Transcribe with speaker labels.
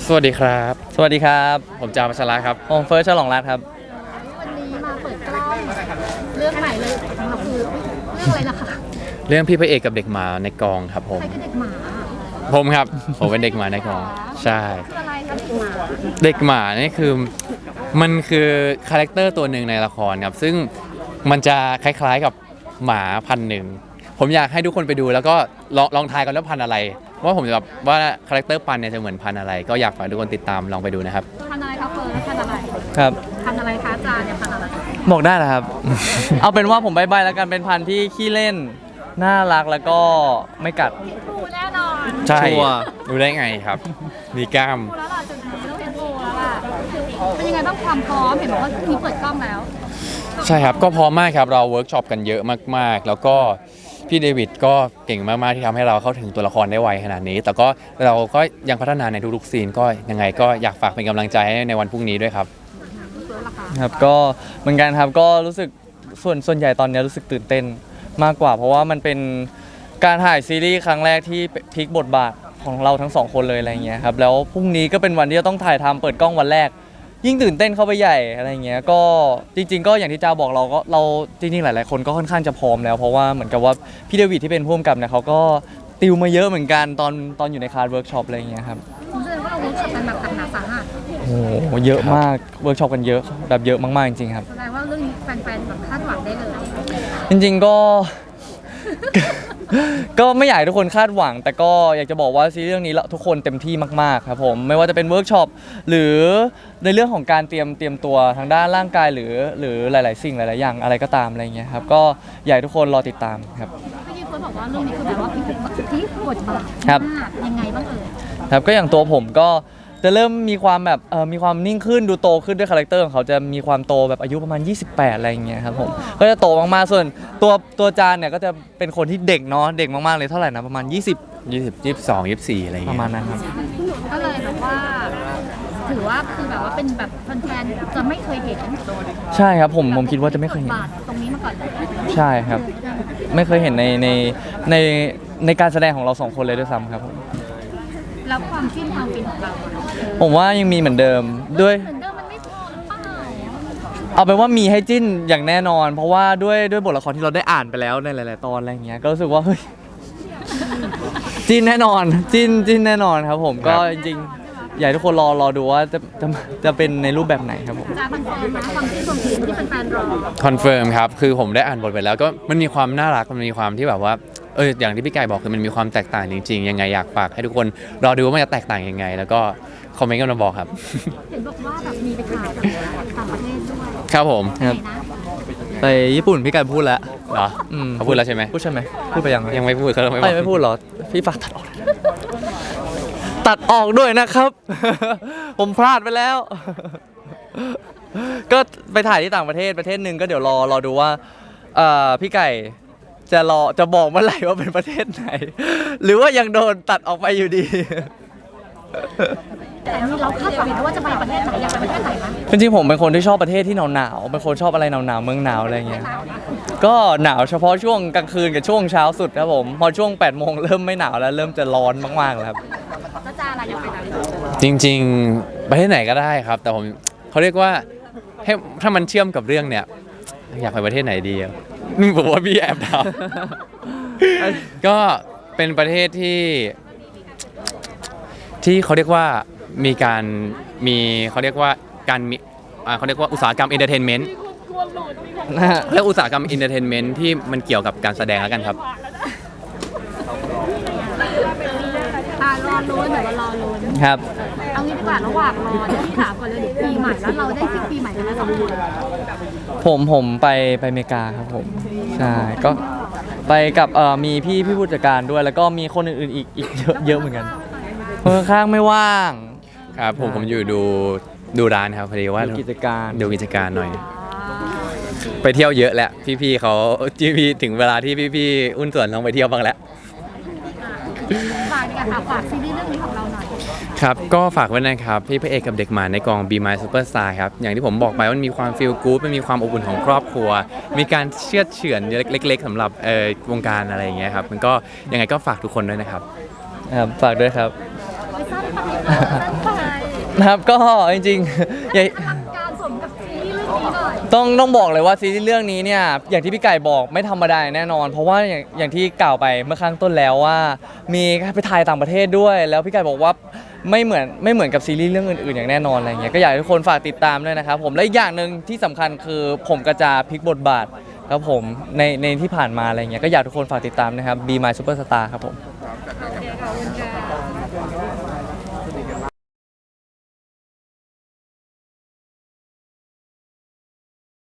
Speaker 1: สวัสดีครับ
Speaker 2: สวัสดีครับ
Speaker 1: ผมจามัชระครับ
Speaker 2: ผมเฟิร์สฉลองรัตน์ครับ
Speaker 3: วันนี้มาเปิดกล้องเรื่องใหม่เลยของเราคือเรื่องอะไรนะคะ
Speaker 1: เรื่องพี่พระเอกกับเด็กหมาในกองครับผม
Speaker 3: ใครคือเด็กหมา
Speaker 1: ผมครับ ผมเป็นเด็กหมาในกองใช่
Speaker 3: คืออะไรคะเด็กหมา
Speaker 1: เด็กหมานี่คือมันคือคาแรคเตอร์ตัวหนึ่งในละครครับซึ่งมันจะคล้ายๆกับหมาพันธุ์หนึ่งผมอยากให้ทุกคนไปดูแล้วก็ลองทายกันว่าพันธุ์อะไรว่าผมจะแบบว่าคาแรคเตอร์พันธุ์เนี่ยจะเหมือนพันธุ์อะไรก็อยากฝากทุกคนติดตามลองไปดูนะครับ
Speaker 3: พันธุ์อะไรคะเฟิร์สพันธุ์อะไร
Speaker 2: ครับ
Speaker 3: พันธุ์อะไรคะอาจารย์เนี่ยพันธุ์อะไร
Speaker 2: บอกได้นะครับ เอาเป็นว่าผมใบ้ๆแล้วกันเป็นพันธุ์ที่ขี้เล่นน่ารักแล้วก็ไม่กัด
Speaker 3: ดูแน่นอน
Speaker 1: ใช่
Speaker 2: ชัวร์
Speaker 1: ดูได้ไงครับมีกล้าม
Speaker 3: ดูแล้วล่ะจุดนี้ต้องเป็นดูแล้วล่ะเป็นยังไงบ้างความพร้อมเห็นบอกว่ามีเปิดกล้องแล้ว
Speaker 1: ใช่ครับก็พร้อมมากครับเราเวิร์กช็อปกันเยอะมากๆแล้วก็พี่เดวิดก็เก่งมากๆที่ทำให้เราเข้าถึงตัวละครได้ไวขนาดนี้แต่ก็เราก็ยังพัฒนาในทุกๆซีนก็ยังไงก็อยากฝากเป็นกำลังใจให้ในวันพรุ่งนี้ด้วยครับ
Speaker 2: ครับก็เหมือนกันครับก็รู้สึกส่วนใหญ่ตอนนี้รู้สึกตื่นเต้นมากกว่าเพราะว่ามันเป็นการถ่ายซีรีส์ครั้งแรกที่พลิกบทบาทของเราทั้งสองคนเลยอะไรเงี้ยครับแล้วพรุ่งนี้ก็เป็นวันที่จะต้องถ่ายทำเปิดกล้องวันแรกยิ่งตื่นเต้นเข้าไปใหญ่อะไรเงี้ยก็จริงๆก็อย่างที่จ้าบอกเราจริงๆหลายๆคนก็ค่อนข้างจะพร้อมแล้วเพราะว่าเหมือนกับว่าพี่เดวิดที่เป็นผู้กำกับเนี่ยเขาก็ติวมาเยอะเหมือนกันตอนอยู่ในคลาสเวิร์กช็อปอะไรเงี้ยครับ
Speaker 3: ผมแสดงว่าเราเวิร์กช็อปกันแบบหนักสาหัส
Speaker 2: โอ้โหเยอะมากเวิร์กช็อปกันเยอะแบบเยอะมากๆจริงๆครับ
Speaker 3: แสดงว่าเรื่องนี้แฟนๆแบบคาดหวังได้เลย
Speaker 2: จริงๆก็ไม่อยากให้ทุกคนคาดหวังแต่ก็อยากจะบอกว่าซีรีส์เรื่องนี้ทุกคนเต็มที่มากๆครับผมไม่ว่าจะเป็นเวิร์กช็อปหรือในเรื่องของการเตรียมตัวทางด้านร่างกายหรือหลายๆสิ่งหลายๆอย่างอะไรก็ตามอะไรเงี้ยครับก็อยากให้ทุกคนรอติดตามครับ
Speaker 3: พี่เฟิร์สบอกว่าเรื่องนี้คือแบบว่าพลิกบทบาท
Speaker 2: ครับ
Speaker 3: ยังไงบ้างเอ่ย
Speaker 2: ครับก็อย่างตัวผมก็จะเริ่มมีความแบบมีความนิ่งขึ้นดูโตขึ้นด้วยคาแรคเตอร์ของเขาจะมีความโตแบบอายุประมาณ28อะไรอย่างเงี้ยครับผมก็จะโตมากๆส่วนตัวจานเนี่ยก็จะเป็นคนที่เด็กเนาะเด็กมากๆเลยเท่าไหร่นะประมาณ
Speaker 1: 22 24อะไรอย่างเงี้ย
Speaker 2: ประมาณนั้นครับ
Speaker 3: ก็เลยแบบว่าถือว่าคือแบบว่าเป็นแบบแฟนๆจะไม่เคยเห็น
Speaker 2: ใช่ครับผมคิดว่าจะไม่เคยเห็น
Speaker 3: ตรงนี้มาก่อนเลย
Speaker 2: ใช่ครับไม่เคยเห็นในการแสดงของเราสองคนเลยด้วยซ้ำครับผม
Speaker 3: แล้วความฟินของเรา
Speaker 2: ผมว่ายังมีเหมือนเดิมด้วย
Speaker 3: เหมือนเดิมมันไม่พอหรือเปล่า
Speaker 2: เอาเป็นว่ามีให้จิ้นอย่างแน่นอนเพราะว่าด้วยบทละครที่เราได้อ่านไปแล้วในหลายๆตอนอะไรอย่างเงี้ยก็รู้สึกว่าเฮ้ยจิ้นแน่นอนจิ้นแน่นอนครับผมก็จริงๆอยากให้ทุกคนรอดูว่าจะเป็นในรูปแบบไหนครับผม
Speaker 3: จะคอนเฟิร์มนะความจิ้นที่แฟนๆรอ
Speaker 1: คอนเฟิร์มครับคือผมได้อ่านบทไปแล้วก็มันมีความน่ารักมันมีความที่แบบว่าอย่างที่พี่ไก่บอกคือมันมีความแตกต่างจริงๆยังไงอยากฝากให้ทุกคนรอดูว่ามันจะแตกต่างยังไงแล้วก็คอมเมนต์กันมาบอกครับ
Speaker 3: เห็นบอกว่าแบบมีไปถ่ายต่างประเทศด้วย
Speaker 1: ครับผม
Speaker 2: ไปญี่ปุ่นพี่ไก่พูดแล้ว
Speaker 1: เหรอเขาพูดแล้วใช่ไหม
Speaker 2: พูดใช่ไหมพูดไปยัง
Speaker 1: ไม่พูดเขา
Speaker 2: ไม่พูดเหรอพี่ฝากตัดออกด้วยนะครับผมพลาดไปแล้วก็ไปถ่ายที่ต่างประเทศหนึ่งก็เดี๋ยวรอดูว่าพี่ไก่จะบอกเมื่อไหร่ว่าเป็นประเทศไหนหรือว่ายังโดนตัดออกไปอยู่ดี
Speaker 3: แต่เราคาดหวังว่าจะไปประเทศไหนอยากไปประเทศไหนคะ
Speaker 2: จริงๆผมเป็นคนที่ชอบประเทศที่หนาวเป็นคนชอบอะไรหนาวเมืองหนาวอะไรเงี้ยก็หนาวเฉพาะช่วงกลางคืนกับช่วงเช้าสุดครับผมพอช่วง8 โมงเริ่มไม่หนาวแล้วเริ่มจะร้อนมากๆแล้วครับ
Speaker 3: ก็จะอะไรอยากไปไหน
Speaker 1: จริงๆประเทศไหนก็ได้ครับแต่ผมเขาเรียกว่าให้ถ้ามันเชื่อมกับเรื่องเนี่ยอยากไปประเทศไหนดีนี่บอกว่าพี่แอบถามก็เป็นประเทศที่เขาเรียกว่าเขาเรียกว่าอุตสาหกรรมเอนเตอร์เทนเมนต์และอุตสาหกรรมเอนเตอร์เทนเมนต์ที่มันเกี่ยวกับการแสดงแล้วกันครับ
Speaker 3: รอลุ้นเดี๋ยวรอลุ้น
Speaker 2: ครับ
Speaker 3: เอางี้ดีกว่าระหว่างรอที่ถามก่อนเลยปีใหม่แล้วเราได้ฟิกปีใหม่กันแล้ว2 คน
Speaker 2: ผมไปอเมริกาครับผมใช่ก็ไปกับมีพี่ผู้จัดการด้วยแล้วก็มีคนอื่นๆอีกเยอะเหมือนกันข้างไม่ว่าง
Speaker 1: ครับผมอยู่ดูร้านครับพอดีว่า
Speaker 2: ดูกิจการ
Speaker 1: หน่อยไปเที่ยวเยอะแล้วพี่ๆเขาถึงเวลาที่พี่ๆอุ้นส่วนต้องไปเที่ยวบ้างแล้ว
Speaker 3: ฝากซีรีส์เรื่องนี้ของเราหน่อย
Speaker 1: ครับก็ฝากไว้นะครับพี่พระเอกกับเด็กหมาในกอง Be My Superstar ครับอย่างที่ผมบอกไปว่ามันมีความฟีลกู๊ดมันมีความอบอุ่นของครอบครัวมีการเชื่อเฉือนเล็กๆสำหรับวงการอะไรอย่างเงี้ยครับมันก็ยังไงก็ฝากทุกคนด้วยนะครับ
Speaker 2: ฝากด้วยครับ
Speaker 3: สั้นไป
Speaker 2: นะครับก็จริงๆอย่า
Speaker 3: อลังการสมกับซีรีส์เรื่องนี้หน่อย
Speaker 2: ต้องบอกเลยว่าซีรีส์เรื่องนี้เนี่ยอย่างที่พี่ไก่บอกไม่ธรรมดาแน่นอน เพราะว่าอย่างที่กล่าวไปเมื่อข้างต้นแล้วว่า มีไปถ่ายต่างประเทศด้วย แล้วพี่ไก่บอกว่าไม่เหมือนกับซีรีส์เรื่องอื่นๆอย่างแน่นอนอะไรเงี้ยก็อยากให้ทุกคนฝากติดตามด้วยนะครับผมและอีกอย่างหนึ่งที่สำคัญคือผมก็จะพลิกบทบาทครับผมในที่ผ่านมาอะไรเงี้ยก็อยากทุกคนฝากติดตามนะครับ Be My Superstar ครับผม
Speaker 3: โอเคขอบคุณค่ะ